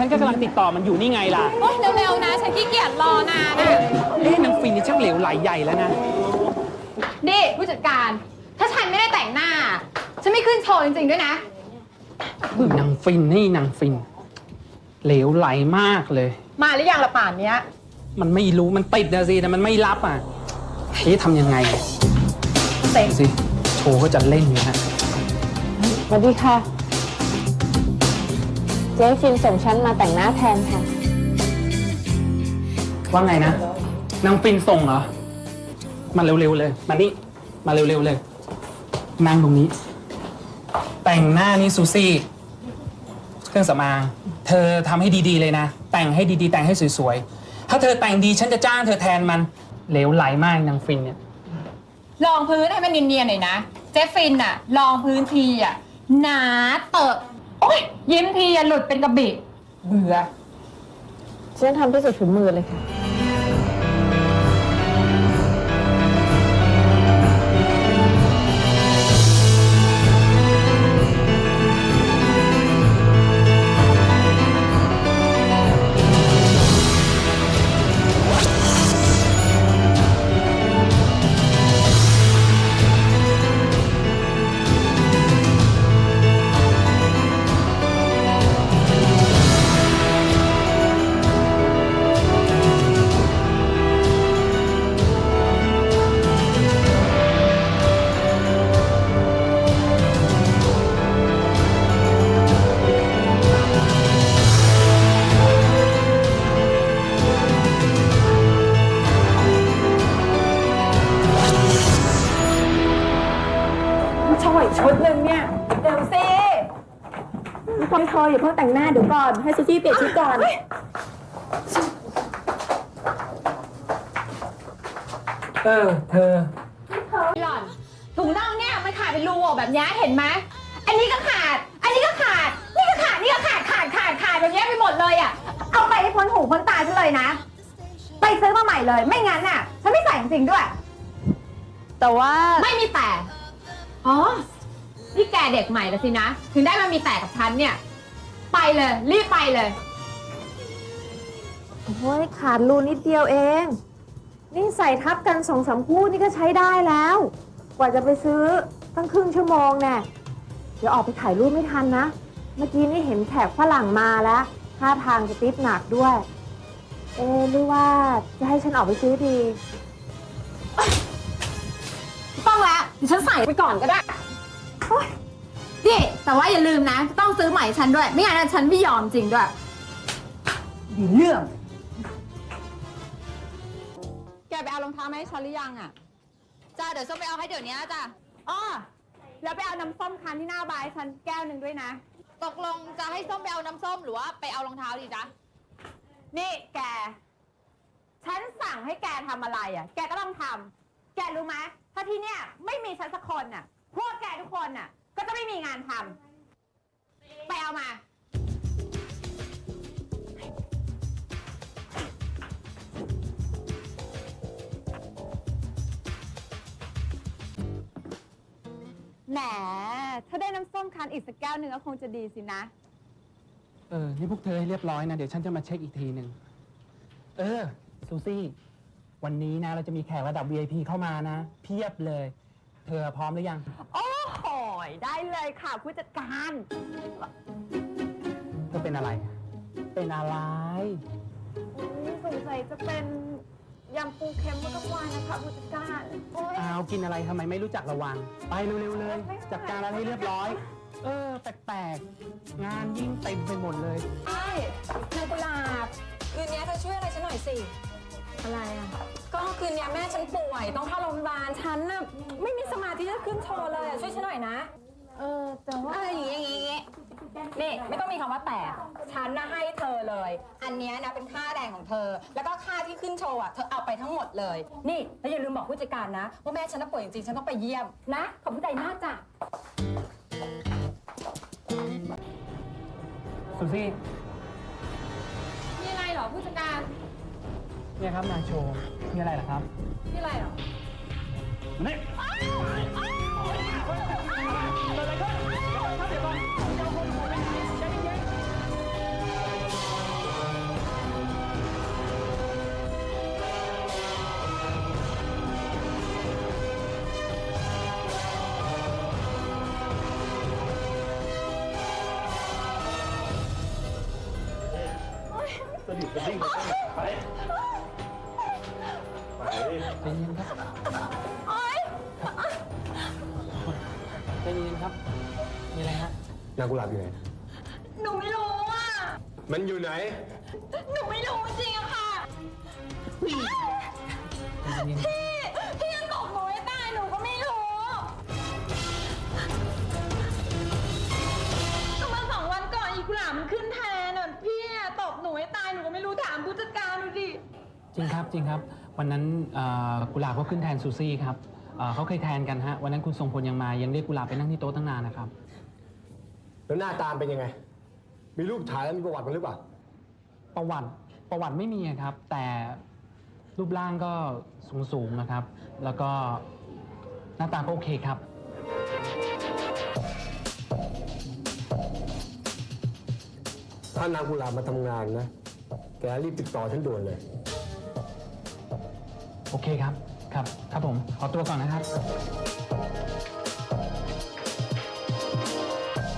นก็กำลังติดต่อมันอยู่นี่ไงล่ะโอ๊ยเร็วๆนะ ฉันขี้เกียจรอนานนะนางฟินนี่ช่างเหลวไหลใหญ่แล้วนะนี่ผู้จัดการ ถ้าฉันไม่ได้แต่งหน้า ฉันไม่ขึ้นโชว์จริงๆด้วยนะนางฟินนี่นางฟิน เหลวไหลมากเลยมาหรือยังละป่านเนี้ยมันไม่รู้มันติดนะสิแต่มันไม่รับอ่ะทำยังไงเตะสิโชว์ก็จะเล่นอยู่นะสวัสดีค่ะ เจ๊ฟินส่งฉันมาแต่งหน้าแทนค่ะว่าไงนะนางฟินส่งเหรอมาเร็วๆเลยมานี่มาเร็วๆเลยนั่งตรงนี้ แต่งหน้านี่ซูซี่เครื่องสำอางเธอทำให้ดีๆเลยนะแต่งให้ดีๆแต่งให้สวยๆถ้าเธอแต่งดีฉันจะจ้างเธอแทนมันเหลวไหลมากนางฟินเนี่ยลองพื้นให้มันเนียนๆหน่อยนะ เจ๊ฟินอะลองพื้นทีอะหนาเตอะโอ๊ยยิ้มทีอะหลุดเป็นกระบี่เบื่อฉันทำที่สุดฝีมือเลยค่ะโชว์อีกชุดหนึ่งเนี่ยเดี๋ยวสิพี่พลอยอย่าเพิ่งแต่งหน้าเดี๋ยวก่อนให้ซูซี่เปลี่ยนชุดก่อนเธอหล่อนถุงน่องเนี่ยมันขาดเป็นรูออกแบบนี้เห็นไหมอันนี้ก็ขาด อันนี้ก็ขาด นี่ก็ขาด นี่ก็ขาดแบบนี้ไปหมดเลยอ่ะ เอาไปให้พ้นหูพ้นตาฉันเลยนะ ไปซื้อมาใหม่เลย ไม่งั้นน่ะ ฉันไม่ใส่จริงๆด้วยแต่ว่าไม่มีแต่ อ๋อ นี่แกเด็กใหม่แล้วสินะ ถึงได้มามีแต่กับฉันเนี่ย ไปเลย รีบไปเลยโอ้ยขาดรูนิดเดียวเอง นี่ใส่ทับกัน2-3 คู่นี่ก็ใช้ได้แล้ว กว่าจะไปซื้อตั้งครึ่งชั่วโมงแน่เดี๋ยวออกไปถ่ายรูปไม่ทันนะ เมื่อกี้นี่เห็นแขกฝรั่งมาแล้วท่าทางจะติ๊บหนักด้วย หรือว่าจะให้ฉันออกไปซื้อดีต้องแล้วเดี๋ยวฉันใส่ไปก่อนก็ได้โอ๊ยนี่แต่ว่าอย่าลืมนะ ต้องซื้อใหม่ฉันด้วย ไม่งั้นฉันไม่ยอมจริงด้วย ดีเรื่องแกไปเอารองเท้ามาให้ฉันหรือยังอ่ะจ้าเดี๋ยวส้มไปเอาให้เดี๋ยวนี้จ้าอ้อแล้วไปเอาน้ำส้มคั้นที่หน้าบายฉันแก้วหนึ่งด้วยนะตกลงจะให้ส้มไปเอาน้ำส้มหรือว่าไปเอารองเท้าดีจ๊ะนี่แก ฉันสั่งให้แกทำอะไรอ่ะ แกก็ต้องทำ แกรู้ไหมถ้าที่เนี่ยไม่มีฉันสักคนน่ะ พวกแกทุกคนน่ะ ก็จะไม่มีงานทำ ไปเอามา แหม ถ้าได้น้ำส้มคั้นอีกสักแก้วหนึ่งก็คงจะดีสินะนี่พวกเธอให้เรียบร้อยนะเดี๋ยวฉันจะมาเช็คอีกทีหนึ่งซูซี่วันนี้นะเราจะมีแขกระดับ VIP เข้ามานะ เพียบเลย เธอพร้อมหรือยังโอ้โหได้เลยค่ะผู้จัดการเธอเป็นอะไร เป็นอะไรสงสัยจะเป็นยำปูเค็มมะกะวานนะคะผู้จัดการโอ๊ยอ้าวกินอะไรทำไมไม่รู้จักระวัง ไปเร็วๆเลย จัดการอะไรให้เรียบร้อย แปลกๆ งานยิ่งเต็มไปหมดเลยใช่นายกุหลาบคืนนี้เธอช่วยอะไรฉันหน่อยสิอะไรอ่ะก็คืนนี้แม่ฉันป่วยต้องเข้าโรงพยาบาลฉันน่ะไม่มีสมาธิจะขึ้นโชว์เลยอะช่วยฉันหน่อยนะแต่ว่าอย่างงี้นี่ไม่ต้องมีคำว่าแต่ฉันนะให้เธอเลย อันเนี้ยนะเป็นค่าแรงของเธอ แล้วก็ค่าที่ขึ้นโชว์อ่ะเธอเอาไปทั้งหมดเลย นี่แล้วอย่าลืมบอกผู้จัดการนะว่าแม่ฉันน่ะป่วยจริงๆฉันต้องไปเยี่ยมนะขอบคุณใจมากจ้ะซูซี่มีอะไรเหรอผู้จัดการเนี่ยครับนางโชว์ มีอะไรเหรอครับมีอะไรเหรอมานี่วิ่งไปไปใจเย็นครับใจเย็นครับมีอะไรฮะนางกุหลาบอยู่ไหนหนูไม่รู้อ่ะมันอยู่ไหนหนูไม่รู้จริงอะค่ะใจเย็นพี่ยังตกหนูให้ตายหนูก็ไม่รู้ก็มา2 วันก่อนอีกุหลาบมันขึ้นแทนอ่ะพี่อะตบหนูให้ตายหนูก็ไม่รู้ถามผู้จัดการดูดิจริงครับจริงครับ วันนั้นกุหลาบเขาขึ้นแทนซูซี่ครับเขาเคยแทนกันฮะวันนั้นคุณทรงพลยังมายังเรียกกุหลาบไปนั่งที่โต๊ะตั้งนานนะครับแล้วหน้าตามเป็นยังไง มีรูปถ่ายแล้วมีประวัติมันหรือเปล่าประวัติไม่มีครับ แต่รูปร่างก็สูงนะครับ แล้วก็หน้าตาก็โอเคครับถ้านางกุหลาบมาทำงานนะ แกรีบติดต่อฉันด่วนเลยโอเคครับครับผมขอตัวก่อนนะครับ